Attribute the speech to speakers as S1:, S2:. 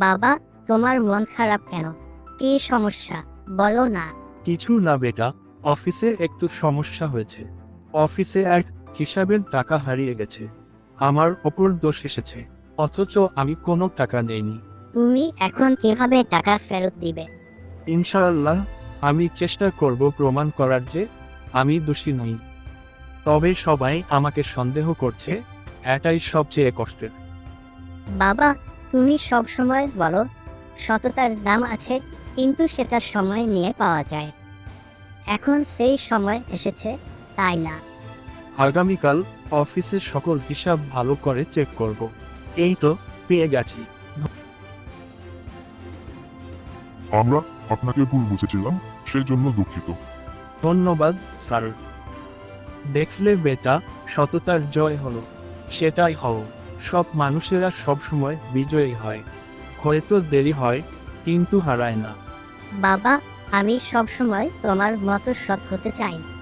S1: বাবা, তোমার মন খারাপ কেন? কি সমস্যা, বলো না।
S2: কিছু না বেটা, অফিসে একটু সমস্যা হয়েছে। অফিসে এক হিসাবের টাকা হারিয়ে গেছে। আমার ওপর দোষ এসেছে, অথচ আমি কোনো টাকা নেইনি।
S1: তুমি এখন কিভাবে টাকা ফেরত দিবে?
S2: ইনশাআল্লাহ, আমি চেষ্টা করব প্রমাণ করার যে আমি দোষী নই। তবে সবাই আমাকে সন্দেহ করছে, এটাই সবচেয়ে কষ্টের।
S1: বাবা, তুমি সব সময় বলো সততার দাম আছে, কিন্তু সেটা সময় নিয়ে পাওয়া যায়। এখন সেই সময় এসেছে, তাই না?
S2: আগামীকাল অফিসের সকল হিসাব ভালো করে চেক করব। এই তো পেয়ে গেছি।
S3: আমরা আপনাকে ভুল বুঝেছিলাম, সেই জন্য দুঃখিত।
S2: ধন্যবাদ স্যার। দেখলে বেটা, সততার জয় হলো। সেটাই হও। সব মানুষেরা সবসময় বিজয়ী হয়। হয়তো দেরি হয়, কিন্তু হারায় না।
S1: বাবা, আমি সব সময় তোমার মতো সৎ হতে চাই।